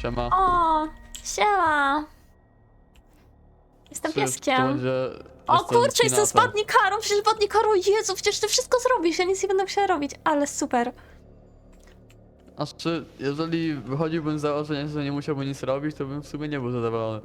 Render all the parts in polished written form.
Siema. O, siema. Jestem Czy pieskiem. to będzie... O kurczę, jestem z Kinator? badnikarą, przecież badnikarą, Jezu, przecież ty wszystko zrobisz, ja nic nie będę musiała robić, ale super. Aż czy jeżeli wychodziłbym z założenia, że nie musiałbym nic robić, to bym w sumie nie był zadowolony.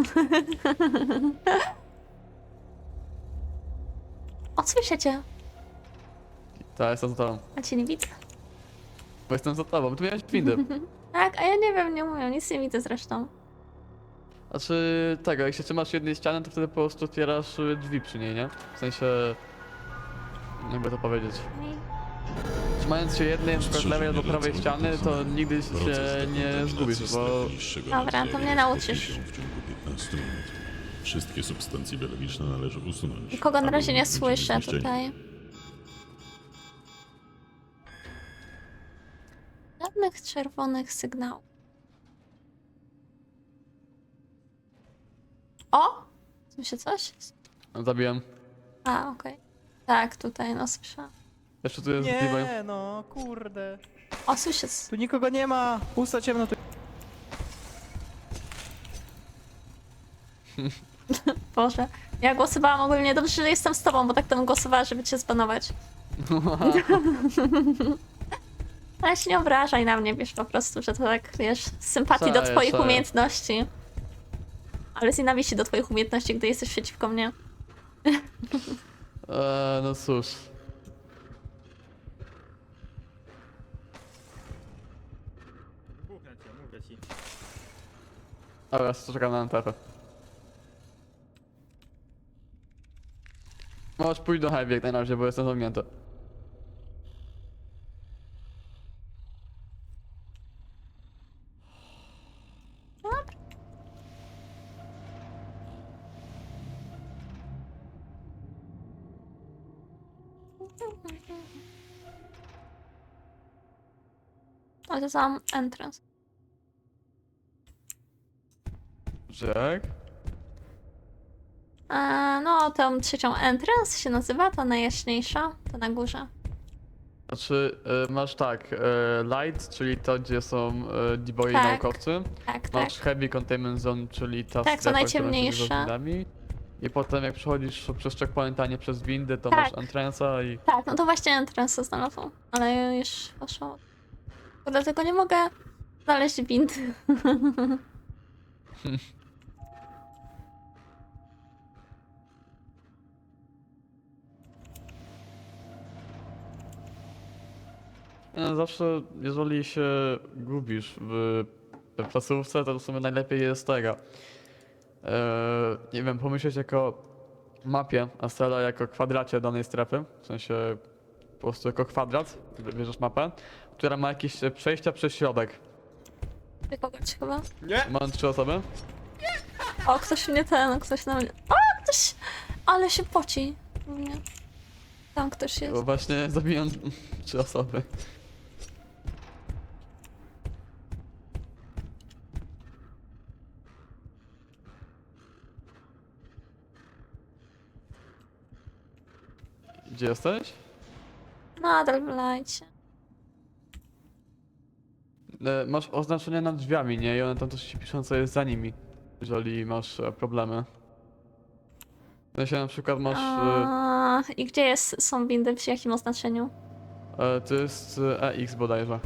O, słyszycie? Tak, jestem za tobą. A cię nie widzę. Bo jestem za tobą, tu miałeś windy. Tak, a ja nie wiem, nie mówię, nic nie widzę zresztą. Znaczy tego, jak się trzymasz jednej ściany, to wtedy po prostu otwierasz drzwi przy niej, nie? W sensie... Jakby to powiedzieć. Trzymając się jednej, na przykład lewej albo prawej ściany, to nigdy się nie zgubisz, bo... Dobra, to mnie nauczysz. W ciągu 15 minut. Wszystkie substancje biologiczne należy usunąć. Nikogo na aby razie nie uniknąć słyszę zniszczenia. tutaj. Żadnych czerwonych sygnałów. O! Słyszę coś? Zabiłem. A, okej. Tak, tutaj, no słyszałam. Jeszcze tu jest Levi. Nie, no, kurde. O, słyszę. Tu nikogo nie ma. Pusta ciemno tu. Boże. Ja głosowałam ogólnie dobrze, że jestem z tobą, bo tak to bym głosowała, żeby cię zbanować. Ale się nie obrażaj na mnie, wiesz, po prostu, że to tak, wiesz, z sympatii do Cześć, twoich cześć. umiejętności. Ale z nienawiści do twoich umiejętności, gdy jesteś przeciwko mnie. No cóż. Mówię ci. Dobra, czekam na NTF. Możesz pójść do Heavy jak najrazie, bo jestem zamknięty. O, to sam entrance. Jack? No, tą trzecią entrance się nazywa, ta najjaśniejsza, ta na górze. Znaczy, masz tak, Light, czyli to, gdzie są D-boy Tak. naukowcy. Tak, tak. Masz Heavy Containment Zone, czyli ta Tak, to strefa, która się najciemniejsza. nazywa windami. I potem jak przechodzisz przez checkpoint, a nie przez windy, to Tak. masz entrance'a i... Tak, no to właśnie entrance znalazłam, ale już poszło. Dlatego nie mogę znaleźć windy. No, zawsze, jeżeli się gubisz w placówce, to w sumie najlepiej jest tego. Nie wiem, pomyśleć jako mapie Astrala jako kwadracie danej strefy, w sensie po prostu jako kwadrat, bierzesz mapę, która ma jakieś przejścia przez środek. Ty kogoś chyba? Mam 3 osoby. O, ktoś mnie ktoś na mnie... O, ktoś... Ale się poci. Nie. Tam ktoś jest. Bo właśnie zabiłem 3 osoby. Gdzie jesteś? Nadal w lajcie. Masz oznaczenia nad drzwiami, nie? I one tam też ci piszą, co jest za nimi, jeżeli masz problemy. W sensie na przykład masz... I gdzie są windy, przy jakim oznaczeniu? To jest EX bodajże.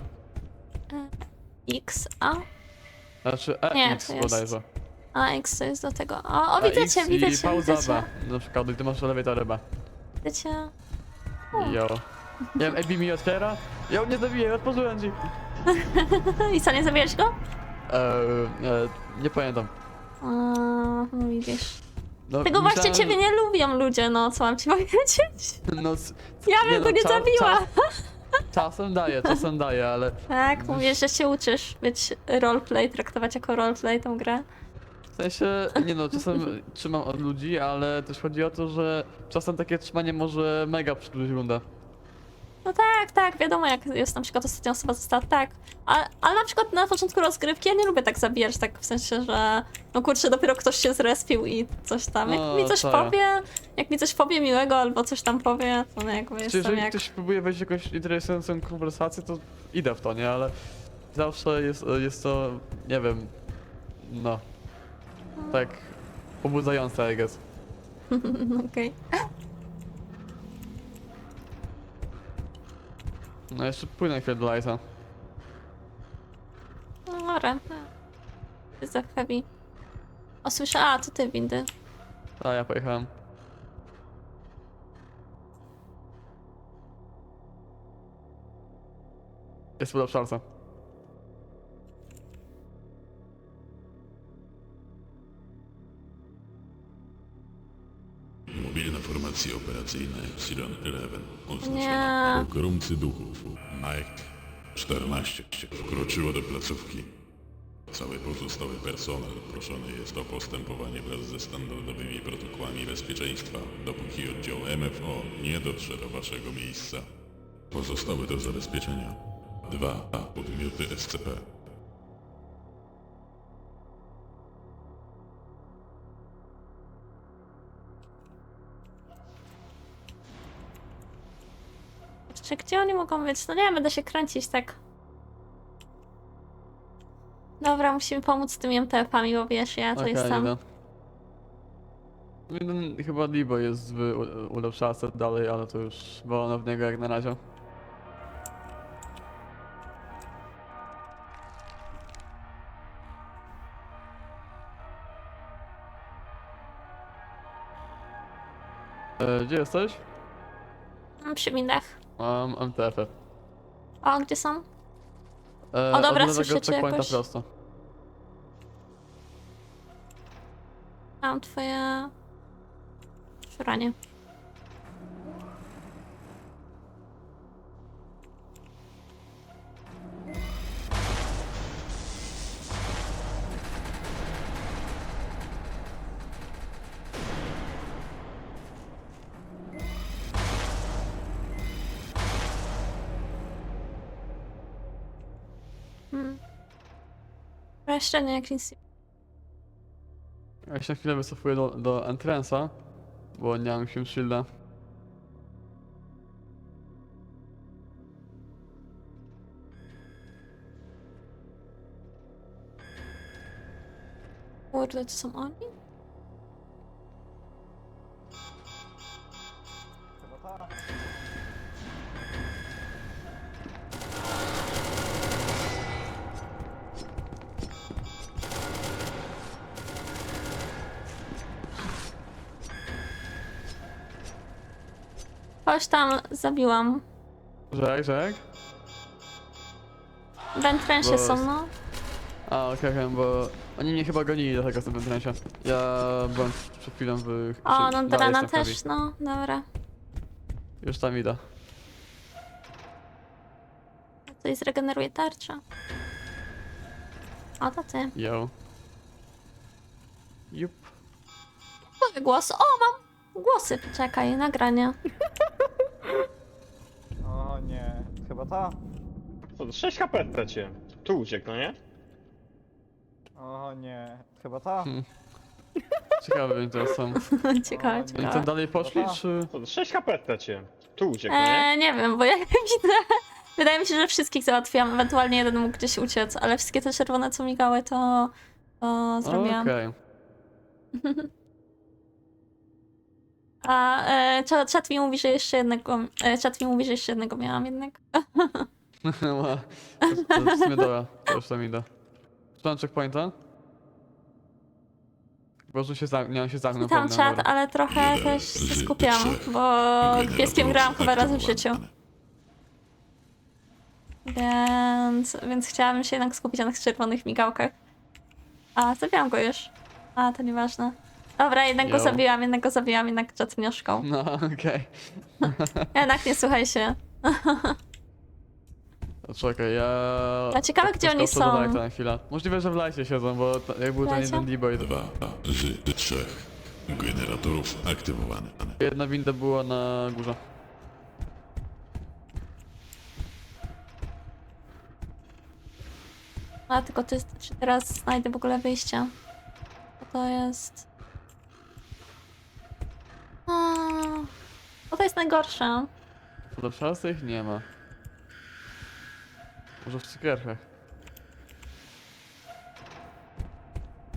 X, A? Znaczy Nie, EX to jest- bodajże. A, X to jest do tego. O, widzę EX cię, widzę i cię, pauza widzę cię. B. Na przykład, gdy masz elewator B. Widzę cię. Jo. Nie wiem, AB mi otwiera. Ja nie zabiję, otworzyłem ci. I co, nie zabijesz go? Nie pamiętam. No widzisz. No, Tego właśnie myślałem, ciebie nie lubią ludzie, no co mam ci powiedzieć? No, Ja bym go nie zabiła. Czasem daję, ale... Tak, mówisz, że się uczysz być roleplay, traktować jako roleplay tą grę. W sensie, nie no, czasem trzymam od ludzi, ale też chodzi o to, że czasem takie trzymanie może mega przedłużyć rundę. No tak, wiadomo jak jest na przykład ostatnia osoba została, tak. Ale na przykład na początku rozgrywki ja nie lubię tak zabijać, tak w sensie, że no kurczę, dopiero ktoś się zrespił i coś tam. Jak No, mi coś tak. powie, jak mi coś powie miłego albo coś tam powie, to no jakby Czy jestem jeżeli jak... ktoś próbuje wejść w jakąś interesującą konwersację, to idę w to, nie? Ale zawsze jest to, nie wiem, No. Tak pobudzające, I guess. Okej. No jeszcze płynę chwilę do Lighta. No dobra. Jest za heavy. O, słyszę, a, to ty windy. A ja pojechałem. Jest pod obszarce. Mobilna formacja operacyjna Epsilon 11 Nie. oznaczona pogromcy duchów. Mike 14 wkroczyło do placówki. Cały pozostały personel proszony jest o postępowanie wraz ze standardowymi protokołami bezpieczeństwa, dopóki oddział MFO nie dotrze do waszego miejsca. Pozostałe do zabezpieczenia 2 podmioty SCP. Czy gdzie oni mogą być? No nie wiem, będę się kręcić tak. Dobra, musimy pomóc z tymi MTF-ami, bo wiesz, ja to Okej, jestem. idę. Jeden chyba Libo jest w ulepszarce dalej, ale to już wolno w niego jak na razie. Gdzie jesteś? Przy windach. Mam MTF-y. O, gdzie są? O dobra, od lewego słyszę cię checkpointa jakoś. prosto. Mam twoje... szuranie. Jeszcze nie, jak nic. Ja się na chwilę wycofuję do entrance'a, bo nie mam się shielda. Kurde, to są oni? Chodź tam, zabiłam. Żek? W entrensie Bo- są, no. A, okej, bo oni mnie chyba gonili dlatego w tym entrance'ie. Ja byłem przed chwilą w... O, no dalej Drana jestem heavy. też, no, dobra. Już tam idę. Tutaj zregeneruje tarcza. O, to ty. Yo. Jup. Moje głosy. O, mam głosy. Czekaj, nagrania. O nie, chyba ta. Co, 6 HP traciłem. Tu uciekł, no nie? O nie, chyba ta. Ciekawe oni teraz są. Ciekawe, O, Oni ciekawe. tam dalej poszli, Dobra. czy... Co, 6 HP traciłem. Tu uciekł, no nie? Nie wiem, bo jak widzę... Wydaje mi się, że wszystkich załatwiłam. Ewentualnie jeden mógł gdzieś uciec, ale wszystkie te czerwone, co migały, to zrobiłam. Okej. A czat mi mówi, że jeszcze jednego... czat mi mówi, że jeszcze jednego miałam jednak. To w sumie dobra, to już tam idę. Mam checkpointa? Po prostu się nie on się zamknął. Tam pewnie, czat, dobra. ale trochę też się skupiam, bo pieskiem grałam chyba raz w życiu. Więc chciałabym się jednak skupić na tych czerwonych migałkach. A, zabiłam go już. A, to nieważne. Dobra, jednego Jo. zabiłam, jednak czat mnie oszukał. No, okej. Jednak nie słuchaj się. To czekaj, ja... A ciekawe, gdzie oni poskoczę do są. Lighta na chwilę. Możliwe, że w Lightie siedzą, bo jak był ten Lightie? jeden D-boy, to 2 z 3 generatorów aktywowane. jedna winda była na górze. A, tylko czy teraz znajdę w ogóle wyjście? Co to jest? O, to jest najgorsze. Do szans ich nie ma. Może w cukierkach.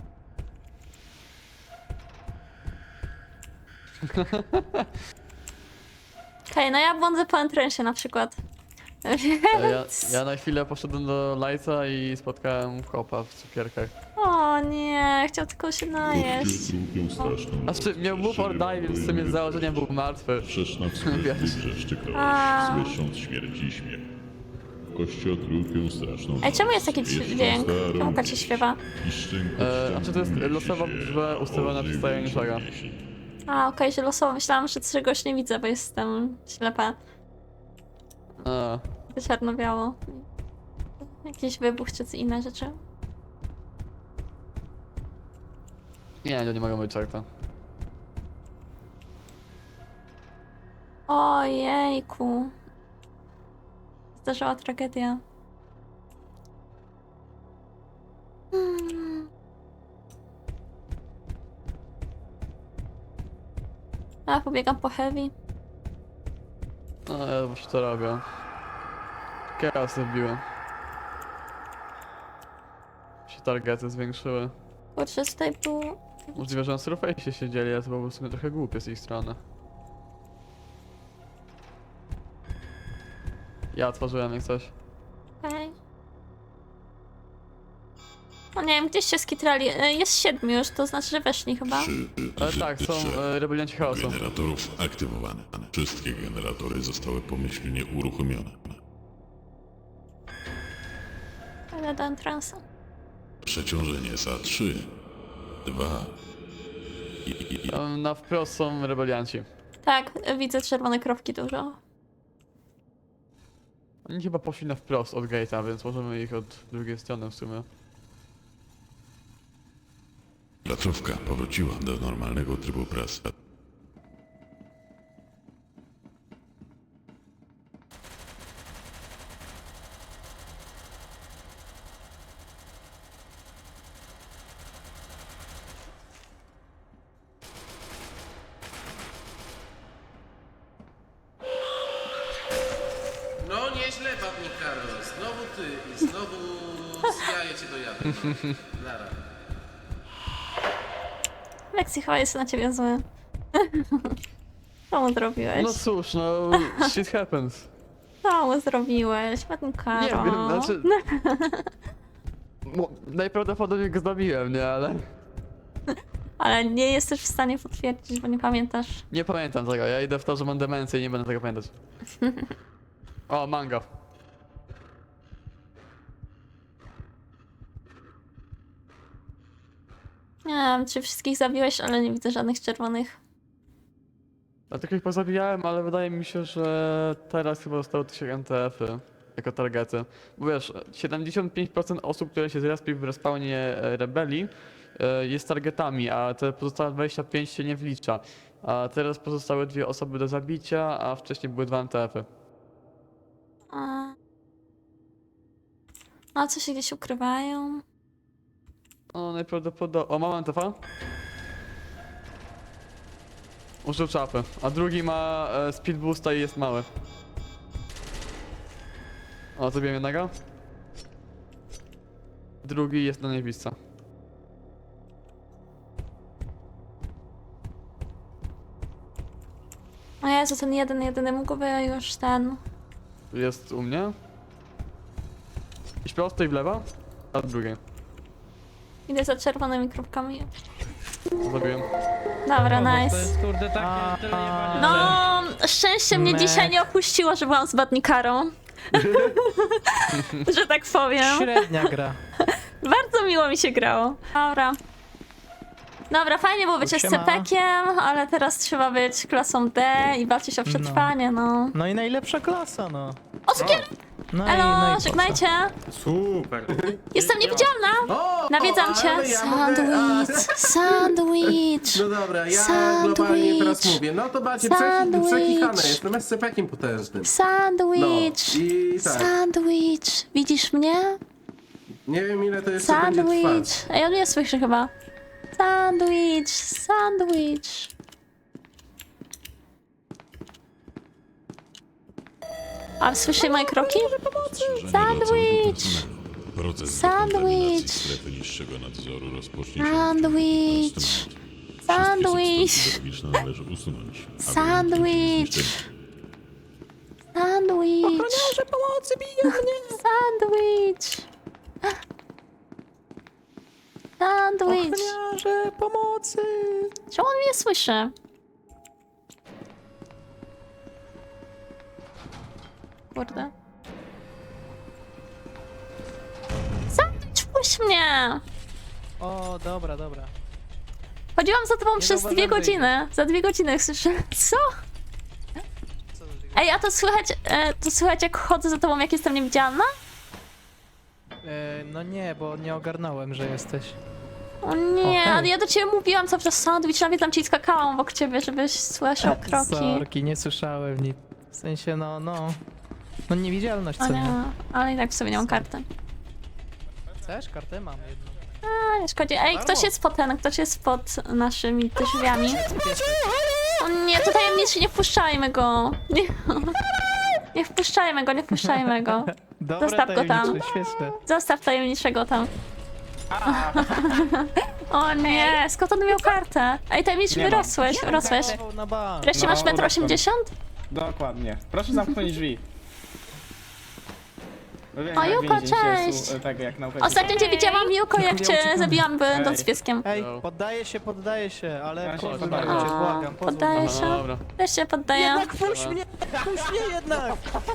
Okej, no ja błądzę po entrensie na przykład. Ja na chwilę poszedłem do Lighta i spotkałem chłopa w cukierkach. O nie, chciał tylko się najeść. Lubią straszną. Znaczy, miał move or die, więc w sumie z założenia był martwy. Sprzeczna w sobie Wiesz. wrzeszczykała, A. słysząc śmierci i śmiech. Kościotrupią straszną. Ej, czemu jest taki Jeszcze dźwięk? starą Czemu Kacie śpiewa? i szczęko A czy to jest losowa liczba ustawiona przez tajemniczego? A, okej, że losowo. Myślałam, że czegoś nie widzę, bo jestem ślepa. A, Czarno-biało. Jakiś wybuch czy co inne rzeczy. nie, to nie mogą być tak to. Ojejku. Zdarzyła tragedia. A, pobiegam po heavy. No, ja właśnie to robię. Chaosy wbiłem. Się targety zwiększyły. Kurczę, tutaj był... Możliwe, że na surface siedzieli, ale to było w sumie trochę głupie z ich strony. Ja otworzyłem jak coś. Okej. No nie wiem, gdzieś się skitrali. Jest 7 już, to znaczy, że weszli chyba. Ale tak, są rebelianci chaosu. generatorów aktywowane. Wszystkie generatory zostały pomyślnie uruchomione. Ale do entrance'a. Przeciążenie SA3, 2 Na wprost są rebelianci. Tak, widzę czerwone kropki dużo. Oni chyba poszli na wprost od gate'a, więc możemy ich od drugiej strony w sumie. placówka powróciła do normalnego trybu pracy. No nieźle, Badnik Carlos. Znowu ty i znowu zjaję cię do jadu. No. Nara. Lexi chyba jest na ciebie zły. Co mu zrobiłeś? No cóż, no shit happens. Co mu zrobiłeś? Badnikaro. Nie wiem, znaczy... Najprawdopodobniej go zabiłem, nie, ale... Ale nie jesteś w stanie potwierdzić, bo nie pamiętasz. Nie pamiętam tego, ja idę w to, że mam demencję i nie będę tego pamiętać. O, mango. Nie wiem, czy wszystkich zabiłeś, ale nie widzę żadnych czerwonych. Dlatego ich pozabijałem, ale wydaje mi się, że teraz chyba zostały tylko NTF-y jako targety. Bo wiesz, 75% osób, które się zrespią w respawnie rebelii jest targetami, a te pozostałe 25 się nie wlicza. A teraz pozostały 2 osoby do zabicia, a wcześniej były 2 NTF-y. A co się gdzieś ukrywają? No najprawdopodobniej... O, mam NTF-a? Użył czapy, a drugi ma speed boosta i jest mały. O, zabiłem jednego. Drugi jest na niebiesca. O Jezu, ten jedyny mógłby już ten... Jest u mnie. Iść prosto i w lewo, a drugie. Idę za czerwonymi kropkami. Zabiłem. Dobra, To nice. jest kurde takie tyle jebania, No, szczęście mnie Mek. dzisiaj nie opuściło, że byłam z Badnikarą. Że tak powiem. Średnia gra. Bardzo miło mi się grało. Dobra. Dobra, fajnie było być Siema. SCP-kiem, ale teraz trzeba być klasą D i walczyć o przetrwanie, no. No i najlepsza klasa, no. O, cukier! No Elo, po co? żegnajcie! Super. Jestem niewidzialna! O, Nawiedzam cię! ale ja mogę- Sandwich! Sandwich! No dobra, ja Sandwich. globalnie teraz mówię. No to macie Sandwich. przekichane, jestem SCP-kiem potężnym. Sandwich! No, i tak. Sandwich! Widzisz mnie? Nie wiem ile to jeszcze będzie Sandwich! trwać. Ej, on nie słyszy chyba. Sandwich! Sandwich! A słyszy moje kroki? Sandwich! Proces Sandwich. dekontaminacji strefy niższego nadzoru rozpocznie się Sandwich! w następnym Sandwich. Techniczne należy usunąć. aby Sandwich. uniknąć zniszczenia. Sandwich. Ochroniarze pomocy biją mnie! Sandwich. Sandwich. Ochroniarze pomocy! Czemu on mnie słyszy? Kurde. Sandwich, puść mnie! O, dobra, dobra. Chodziłam za tobą Nie przez zauważyłem, 2 że godziny. Za 2 godziny słyszę. Co? Ej, a to słychać jak chodzę za tobą, jak jestem niewidzialna? No nie, bo nie ogarnąłem, że jesteś. O nie, hej. ale ja do ciebie mówiłam cały czas sandwich, nawet tam ci skakałam obok ciebie, żebyś słyszał kroki. Sorki, nie słyszałem nic. W sensie, no niewidzialność, O co nie, nie? ale i tak w sobie nie mam karty. Chcesz? Kartę mam jedną. A, nie szkodzi. Ej, ktoś jest pod naszymi drzwiami. O nie, to tajemniczy, nie wpuszczajmy go. Nie wpuszczajmy go, nie wpuszczajmy go. Dobre, Zostaw go tam. tajemnicze, świetne. Zostaw tajemniczego tam. O nie, skąd on miał kartę? Ej, tajemniczy, wyrosłeś. Na bank. Wreszcie masz 1,80 m? Dokładnie. Proszę zamknąć drzwi. No wiem, O, jak Juko, więzień się cześć. tak jak nauczyciel. Ostatnio cię widziałam, Juko, jak cię zabiłam będąc pieskiem. Ej, No. poddaję się, ale Ja się pozwól poddaję. mi, cię błagam, pozwól Poddaję mi. się. No dobra. Też się poddaję. Jednak puść mnie jednak!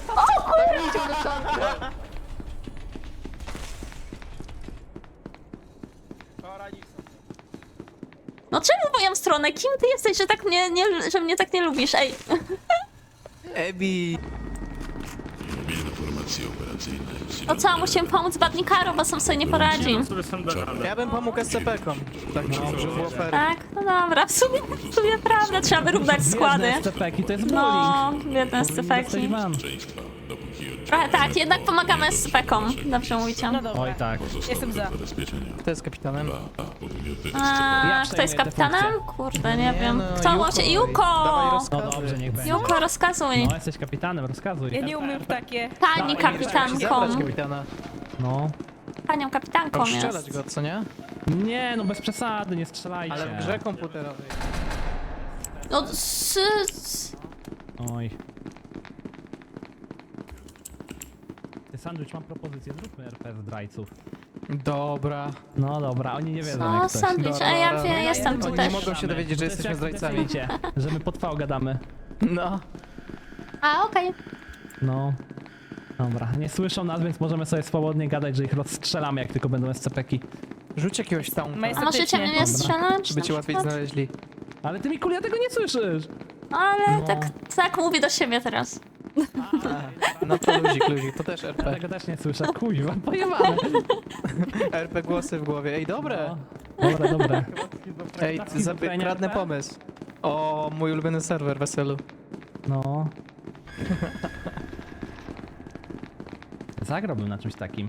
No czemu w moją stronę? Kim ty jesteś, że tak że mnie tak nie lubisz? Ej. Ebi! Mobilne formacje operacyjne. No co, musimy pomóc Badnikaru, bo sam sobie nie poradzi. Ja bym pomógł SCP-kom. Tak, żeby było fair. Tak? No dobra, w sumie prawda, trzeba wyrównać składy. SCP-ki, to jest No, bullying. biedne SCP-ki. Bezpieczeństwa, dopóki Trochę tak, jednak pomagamy SCP-kom. Dobrze mówicie. Oj tak. Jestem za. Zabezpieczenia. Kto jest kapitanem? A podmioty A, kto jest przejmuję te kapitanem? Kurde, nie wiem. no, Kto może? Dawaj Juko! rozkazy. No dobrze, niech będzie. Juko, rozkazuj. No jesteś kapitanem, rozkazuj. Ja nie umiem w takie. Pani Zabrać kapitanką. kapitana. No. Panią kapitanką Strzelać jest. go, co nie? Nie, no bez przesady, nie strzelajcie. Ale w grze komputerowej. No, Oj. Ty, Sandwich, mam propozycję, zróbmy RP zdrajców. Dobra. No dobra, oni nie wiedzą no, jak coś. sandwich, a ja wiem, jestem tu Oni też. nie mogą się dowiedzieć, że jesteśmy zdrajcami. Wiecie, że my pod V gadamy. No. A, okej. No. Dobra, nie słyszą nas, więc możemy sobie swobodnie gadać, że ich rozstrzelamy, jak tylko będą SCP-ki. Rzuć jakiegoś taunta, A możecie mnie nie strzelać? żeby cię łatwiej znaleźli. Ale ty, Mikulia, tego nie słyszysz! Ale No. tak mówię do siebie teraz. No to luzik, to też Ja RP. tego też nie słyszę, kuźwa, pojebane. RP głosy w głowie. Ej, dobre! No. Dobra. Ej, Schizofrenia kradnę RP? pomysł. O, mój ulubiony serwer, weselu. No. Zagrałbym na czymś takim.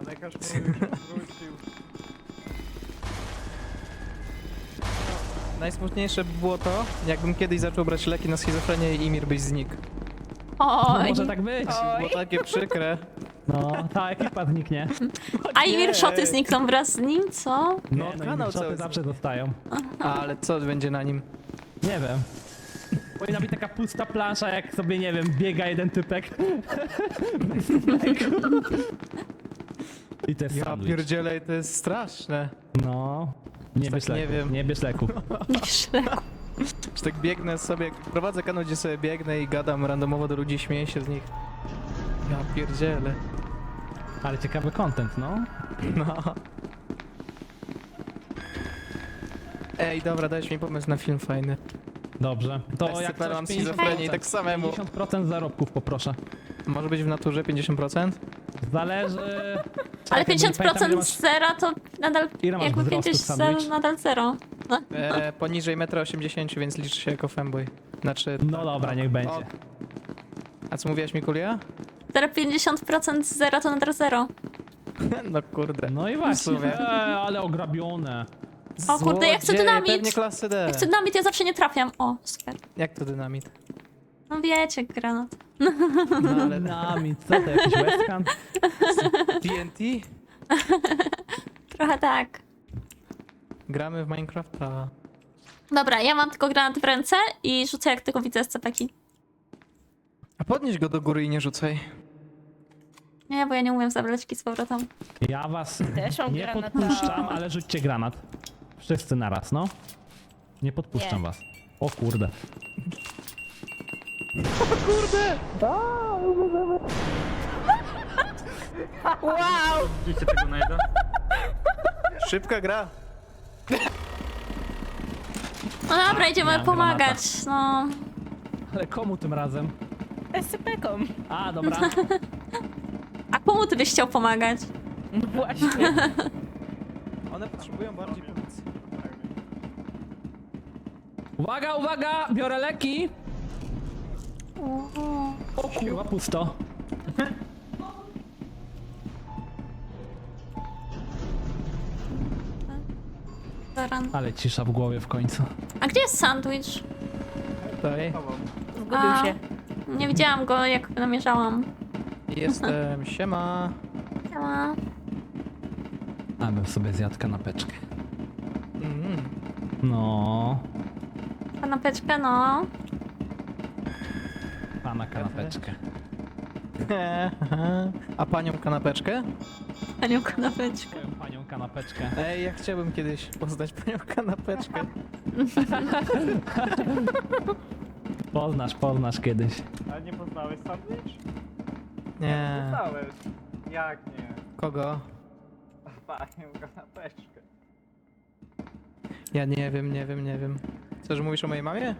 Najsmutniejsze by było to, jakbym kiedyś zaczął brać leki na schizofrenię i Imir byś znikł. No, Oj. może tak być. Było takie przykre. No, ta ekipa zniknie. A i wirszoty znikną wraz z nim, co? No, Nie, no kanał i cały szoty zawsze zostają. Ale co będzie na nim? Nie wiem. Powinna być taka pusta plansza, jak sobie, nie wiem, biega jeden typek. I to jest Ja sandwich. pierdzielej, to jest straszne. No. Nie bierz tak nie leku, wiem. nie bierz leku. Że tak biegnę sobie, prowadzę kanał, gdzie sobie biegnę i gadam randomowo do ludzi, śmieję się z nich. Ja pierdzielę. Ale ciekawy content, no. No. Ej, dobra, dajesz mi pomysł na film fajny. Dobrze. To jak SCP mam coś schizofrenię i tak samemu. 50% zarobków poproszę. Może być w naturze 50%? Zależy... Ale Czekaj, bo nie pamiętam, ile 50% masz- zera to nadal, Ile masz jakby wzrostu, 50 sandwich? nadal zero. No. Poniżej 1,80 m, więc liczy się jako femboy. Znaczy... No dobra, niech będzie. O. A co mówiłaś, Mikulia? 50% zera to nadal zero. No kurde. No i W właśnie. sumie. No. Ale ograbione. O kurde, ja chcę Złodzieje, dynamit. Pewnie klasy D. Ja chcę dynamit, ja zawsze nie trafiam. O, super. Jak to dynamit? No wiecie, granat. No ale Nami, co to, jakiś westcam? TNT? Trochę tak. Gramy w Minecrafta. Dobra, ja mam tylko granat w ręce i rzucę jak tylko widzę SCP-ki. A podnieś go do góry i nie rzucaj. Nie, bo ja nie umiem zabrać z powrotem. Ja was Też mam nie granata. podpuszczam, ale rzućcie granat. Wszyscy naraz, no. Nie podpuszczam Nie. was. O kurde. Wow! Szybka gra. No dobra, idziemy Miałem pomagać, no. Ale komu tym razem? SCP-kom. A, dobra. A komu ty byś chciał pomagać? No właśnie. One potrzebują bardziej pomocy. Uwaga, uwaga! Biorę leki! O kurwa, pusto. Zaran. Ale cisza w głowie w końcu. A gdzie jest sandwich? Tutaj Zgubił A. się. Nie widziałam go, jak namierzałam. jestem, siema. Siema. A bym sobie zjadł kanapeczkę. Mm. No, Kanapeczkę, no. pana kanapeczkę. A panią kanapeczkę? Panią kanapeczkę. Moją panią kanapeczkę. Ej, ja chciałbym kiedyś poznać panią kanapeczkę. Poznasz kiedyś. Ale nie poznałeś sandwich? Nie. Poznałeś. Jak nie? Kogo? Panią kanapeczkę. Ja nie wiem. Co, że mówisz o mojej mamie?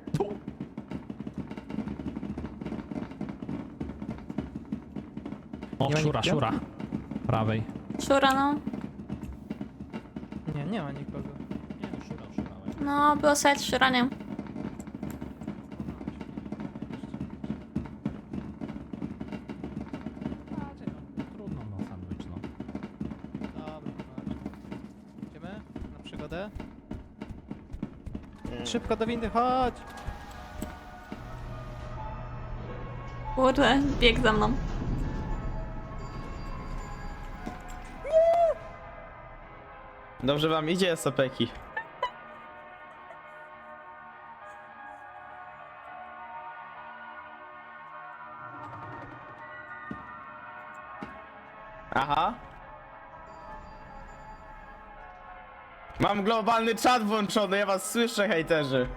O, Nie ma szura, nikogo? szura. Prawej. Szura, no. Nie ma nikogo. Nie no, szura. No, było słychać szuranie. Trudno, no, sandwich, no. Dobra, idziemy na przygodę? Szybko do windy, chodź! Kurde, bieg za mną. Dobrze wam idzie, SCP-ki. Aha. Mam globalny czat włączony, ja was słyszę, hejterzy.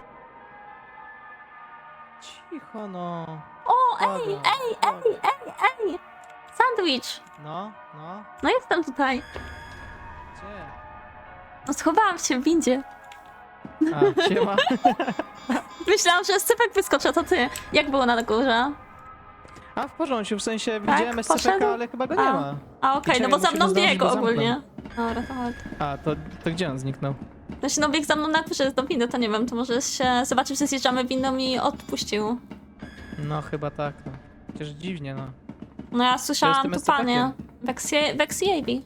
Cicho no. O, ej, Dobra, ej! Sandwich! No. No jestem tutaj. Gdzie? No schowałam się w windzie. A, siema. Myślałam, że SCP wyskoczy, to ty. Jak było na górze? A, w porządku, w sensie Tak, widziałem poszedł? SCP, ale chyba go nie A. ma. A okej, Czekaj, no bo za musimy mną zdążyć, biegł bo zamknął. ogólnie. Dobra, to chodź. A, to gdzie on zniknął? Znaczy, no biegł za mną na górze, jest do windy, to nie wiem, to może się zobaczył, że zjeżdżamy windą i odpuścił. No, chyba tak, no. Chociaż dziwnie, no. No ja słyszałam tym tupanie. Vexi Avi.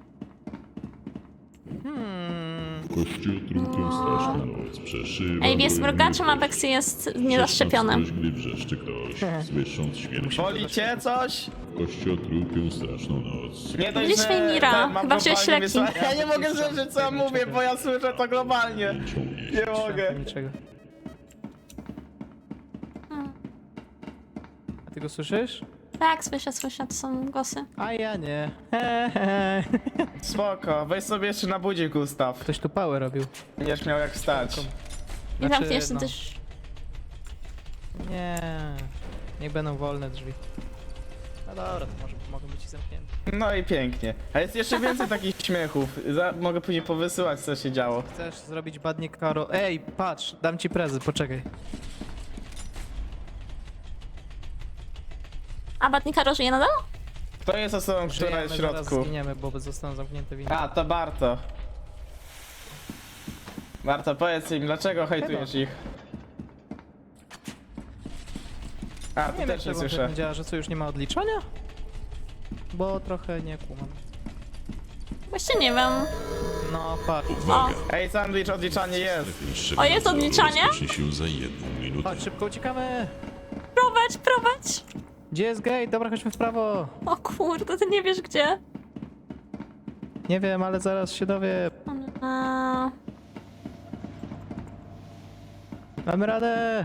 Kościół trupiem straszna noc przeszywa. Ej, jest mrugaczem, a Vexi jest niezaszczepiony. Gdy wrzeszczy ktoś, słysząc śmierć. Wolicie coś? Kościół trupią straszną noc. Nie dość, Widzisz, że Mira, ten mam chyba wziąłeś globalnie leki. wysłać. Ja nie mogę słyszeć, co ja mówię, bo ja słyszę to globalnie. Nie mogę. Niczego. A ty go słyszysz? Tak, słyszę, to są głosy. A ja nie. Spoko, weź sobie jeszcze na budzik, Gustaw. Ktoś tu pałę robił. Będziesz miał jak wstać. I zamkniesz no. też. Nie. Niech będą wolne drzwi. No dobra, to może mogą być i zamknięte. No i pięknie. A jest jeszcze więcej takich śmiechów. Mogę później powysyłać, co się działo. Chcesz zrobić badnik Karo? Ej, patrz, dam ci prezent, poczekaj. A Batnika żyje nadal? Kto jest osobą, która jest w Zaraz środku? zginiemy, bo zostaną zamknięte windy. A, to Barto. Barto, powiedz im, dlaczego hejtujesz ich? A, Nie tu wiem, też nie jak to słyszę. działa, że co, już nie ma odliczania? Bo trochę nie kumam. Właśnie nie wiem. No, patrz. O, Ej, sandwich, odliczanie jest. O, jest odliczanie? Rozpocznie się za 1 minutę. Chodź, szybko uciekamy! prowadź! Gdzie jest gate? Dobra, chodźmy w prawo. O kurde, ty nie wiesz gdzie. Nie wiem, ale zaraz się dowiem. Mamy radę!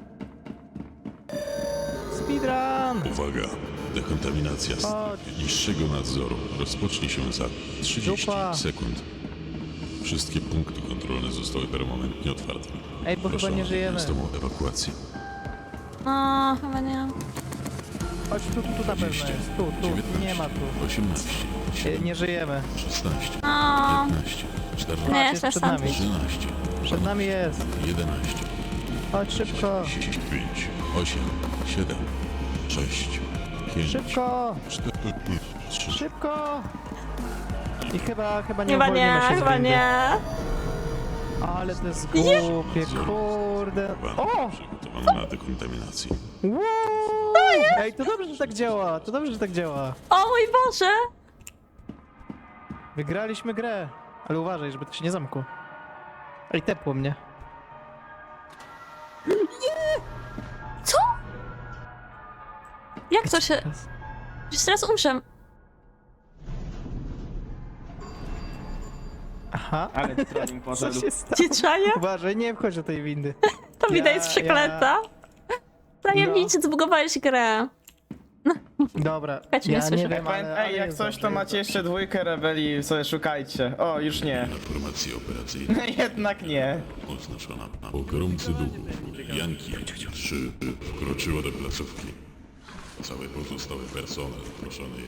Speedrun! Uwaga! Dekontaminacja Chodź. niższego nadzoru rozpocznie się za 30 Dupa. sekund. Wszystkie punkty kontrolne zostały permanentnie otwarte. Ej, bo chyba Proszę nie o żyjemy. natychmiastową ewakuację. No, chyba nie. Chodź, tu na pewno jest. Tu, 19, nie ma tu. 18, Nie żyjemy. 16, No, 15, 14, nie, jest jestem przed nami. sandwich. 13, Przed nami jest. 11, Chodź szybko. 5, 8, 7, 6, 5, Szybko! 4, 3, Szybko! I chyba nie Chyba uwolnimy nie, się z chyba windy. nie. Ale to jest głupie, kurde. O! przygotowany na dekontaminację. Wow! Ej, to dobrze, że tak działa. To dobrze, że tak działa. O mój Boże! Wygraliśmy grę. Ale uważaj, żeby to się nie zamkło. Ej, tepło mnie. Co? Jak to się... Już teraz umrzę. Aha. Ale trolling Co poszedł. się stało? Cieczaje? Uważaj, nie wchodź do tej windy. To widać jest przeklęta. Zajebiście, zbugowałeś grę. Dobra, Czekajcie, nie ja słyszę. nie wiem, ale... Ej, jak jest coś, dobrze, to jest macie jeszcze dwójkę rebelii, sobie szukajcie. O, już nie. Informacja operacyjna Jednak nie. oznaczona na pogromcy duchów. Janki 3 wkroczyło do placówki. Cały pozostały personel proszony